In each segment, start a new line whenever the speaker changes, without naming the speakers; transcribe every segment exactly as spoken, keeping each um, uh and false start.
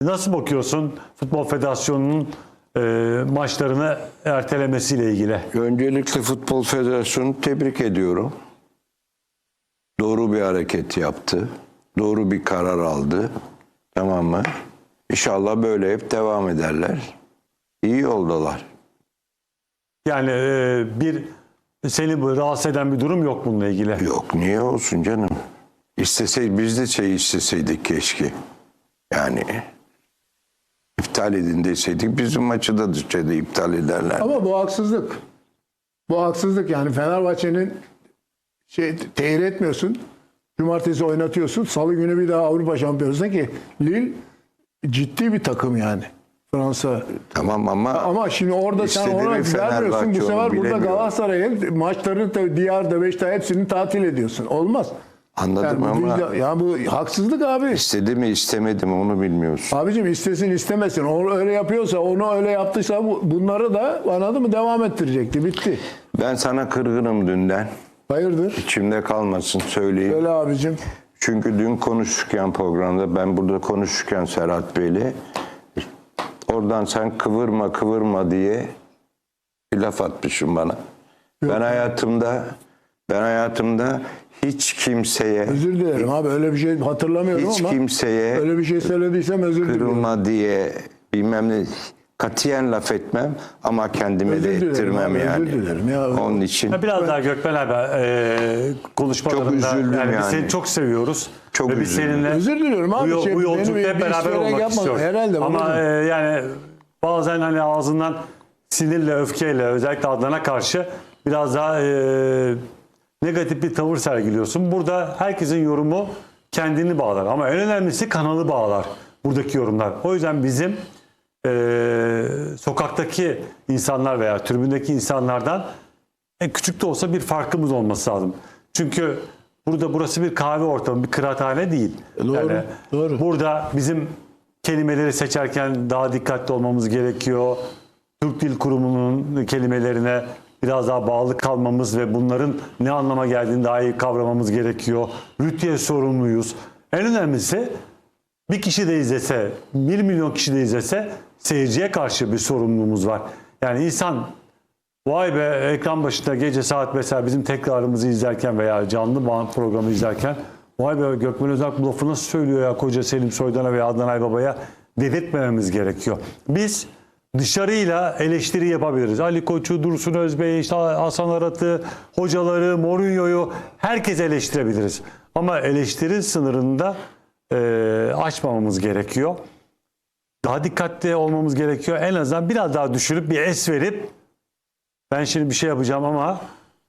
Nasıl bakıyorsun Futbol Federasyonu'nun e, maçlarını ertelemesiyle ilgili?
Öncelikle Futbol Federasyonu'nu tebrik ediyorum. Doğru bir hareket yaptı. Doğru bir karar aldı. Tamam mı? İnşallah böyle hep devam ederler. İyi yoldalar.
Yani e, bir seni bu rahatsız eden bir durum yok bununla ilgili.
Yok, niye olsun canım? İsteseydik, biz de şey isteseydik keşke. Yani iptal edin deseydik bizim maçı da dışarıda iptal ederler.
Ama bu haksızlık. Bu haksızlık yani Fenerbahçe'nin şey tehir etmiyorsun. Cumartesi oynatıyorsun. Salı günü bir daha Avrupa Şampiyonası'na ki Lille ciddi bir takım yani. Fransa.
Tamam ama
Ama şimdi orada sen
istediği
ona
bir
vermiyorsun. Bu
Fenerbahçe
sefer
onu
burada
bilemiyor.
Galatasaray'ın maçlarını da Diyar'da Beşiktaş'ta hepsini tatil ediyorsun. Olmaz.
anladım
Yani bu,
ama
vicdan- ya bu haksızlık abi.
istedi mi istemedi mi onu bilmiyorsun.
Abicim istesin istemesin. Onu öyle yapıyorsa, onu öyle yaptıysa bu, bunları da anladın mı devam ettirecekti. Bitti.
Ben sana kırgınım dünden.
Hayırdır?
İçimde kalmasın söyleyeyim.
Söyle abicim.
Çünkü dün konuşurken programda, ben burada konuşurken Serhat Bey'le, oradan sen kıvırma kıvırma diye bir laf atmışsın bana.
Yok.
Ben hayatımda ben hayatımda hiç kimseye
Özür dilerim abi öyle bir şey hatırlamıyorum
hiç
ama
kimseye
öyle bir şey söylediysem özür dilerim.
kırılma diye bilmem ne katiyen laf etmem ama kendime
Özür
de
dilerim
ettirmem
abi, özür
yani.
dilerim ya.
Onun için
Ya biraz daha Gökmen abi e, konuşmalarında
Çok üzüldüm
yani, biz
yani.
seni çok seviyoruz.
Çok
Ve biz
üzüldüm.
seninle
Özür diliyorum abi.
bu, yol-
Şey,
bu
benim
yolculukta
bir
hep beraber
isteyerek
olmak
yapmadım.
istiyoruz.
Herhalde,
Ama
babacığım.
e, yani bazen hani ağzından sinirle, öfkeyle özellikle Adnan'a karşı biraz daha e, negatif bir tavır sergiliyorsun. Burada herkesin yorumu kendini bağlar. Ama en önemlisi kanalı bağlar buradaki yorumlar. O yüzden bizim e, sokaktaki insanlar veya tribündeki insanlardan en küçük de olsa bir farkımız olması lazım. Çünkü burada burası bir kahve ortamı, bir kıraathane değil.
Doğru,
Yani
doğru.
burada bizim kelimeleri seçerken daha dikkatli olmamız gerekiyor. Türk Dil Kurumu'nun kelimelerine biraz daha bağlı kalmamız ve bunların ne anlama geldiğini daha iyi kavramamız gerekiyor. Rütüye sorumluyuz. En önemlisi bir kişi de izlese, bir milyon kişi de izlese seyirciye karşı bir sorumluluğumuz var. Yani insan vay be ekran başında gece saat mesela bizim tekrarımızı izlerken veya canlı bağ- programı izlerken vay be Gökmen Özak bu lafı nasıl söylüyor ya koca Selim Soydan'a veya Adnan Aybaba'ya dedirtmememiz gerekiyor. Biz dışarıyla eleştiri yapabiliriz. Ali Koç'u, Dursun Özbey'i, işte Hasan Arat'ı, hocaları, Mourinho'yu herkes eleştirebiliriz. Ama eleştiri sınırında e, aşmamamız gerekiyor. Daha dikkatli olmamız gerekiyor. En azından biraz daha düşürüp bir es verip ben şimdi bir şey yapacağım ama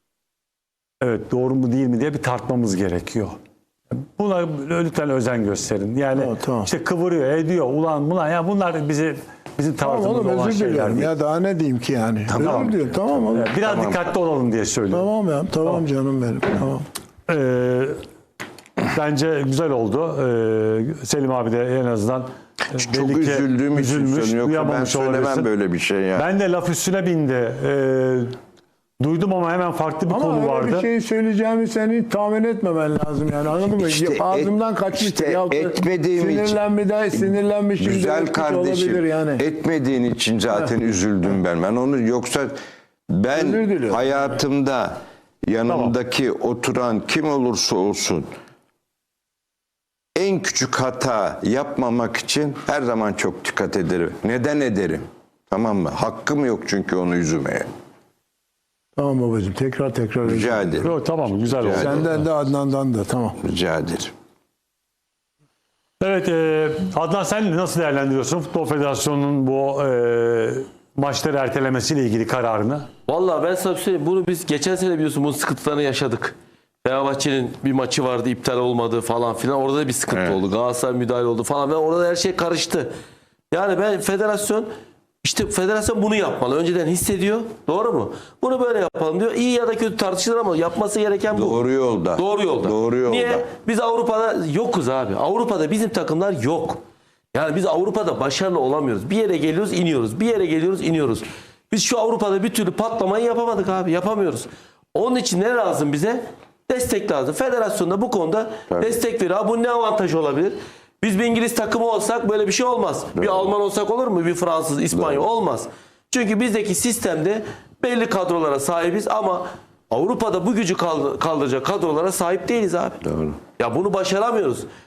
evet doğru mu değil mi diye bir tartmamız gerekiyor. Buna lütfen özen gösterin. Yani
Tamam, tamam.
işte kıvırıyor, ediyor, ulan bulan ya bunlar bizi bizim
Tamam
tarzımız
oğlum
olan
özür
şeyler
diliyorum.
değil.
Ya daha ne diyeyim ki yani.
Tamam.
Özür diliyorum. Tamam oğlum.
Evet, biraz
Tamam.
dikkatli olalım diye söylüyorum.
Tamam ya. Tamam canım benim. Tamam.
Ee, bence güzel oldu. Ee, Selim abi de en azından e,
çok
belli ki
üzüldüğüm için
üzülmüş,
söylüyorum. Yoksa ben
duyamamış
söylemem
olabilirsin.
böyle bir şey ya.
Ben de laf üstüne bindi. Ee, duydum ama hemen farklı bir
Ama
konu
öyle
vardı.
bir şey söyleyeceğimi seni tahmin etmemen lazım yani anladın mı?
İşte
Ağzımdan
et-
kaçmış.
işte
yahut da
etmediğim için-
sinirlenmeden, sinirlenmişim.
Güzel
demek
kardeşim,
olabilir yani.
etmediğin için zaten üzüldüm ben. Ben onu yoksa ben
Özür diliyorum.
hayatımda yanımdaki oturan kim olursa olsun en küçük hata yapmamak için her zaman çok dikkat ederim. Neden ederim? Tamam mı? Hakkım yok çünkü onu üzmeye.
Tamam babacığım tekrar tekrar. özür
Rica
dilerim.
ederim.
Yok, tamam güzel oldu.
Senden de Adnan'dan da tamam.
Rica ederim.
Evet e, Adnan sen nasıl değerlendiriyorsun Futbol Federasyonu'nun bu e, maçları ertelemesiyle ilgili kararını?
Vallahi ben sana bir şey söyleyeyim. Bunu biz geçen sene biliyorsun bunun sıkıntılarını yaşadık. Fenerbahçe'nin bir maçı vardı iptal olmadı falan filan. Orada da bir sıkıntı
Evet.
oldu. Galatasaray müdahale oldu falan. Ve orada her şey karıştı. Yani ben federasyon işte federasyon bunu yapmalı. Önceden hissediyor. Doğru mu? Bunu böyle yapalım diyor. İyi ya da kötü tartışılır ama yapması gereken bu.
Doğru yolda.
Doğru yolda.
Doğru yolda.
Niye? Biz Avrupa'da yokuz abi. Avrupa'da bizim takımlar yok. Yani biz Avrupa'da başarılı olamıyoruz. Bir yere geliyoruz, iniyoruz. Bir yere geliyoruz, iniyoruz. Biz şu Avrupa'da bir türlü patlamayı yapamadık abi. Yapamıyoruz. Onun için ne lazım bize? Destek lazım. Federasyon da bu konuda
Tabii.
destek veriyor. Ha, bu ne avantaj olabilir? Biz bir İngiliz takımı olsak böyle bir şey olmaz. Bir Alman olsak olur mu? Bir Fransız, İspanyol olmaz. Çünkü bizdeki sistemde belli kadrolara sahibiz ama Avrupa'da bu gücü kaldı- kaldıracak kadrolara sahip değiliz abi.
Doğru.
Ya bunu başaramıyoruz.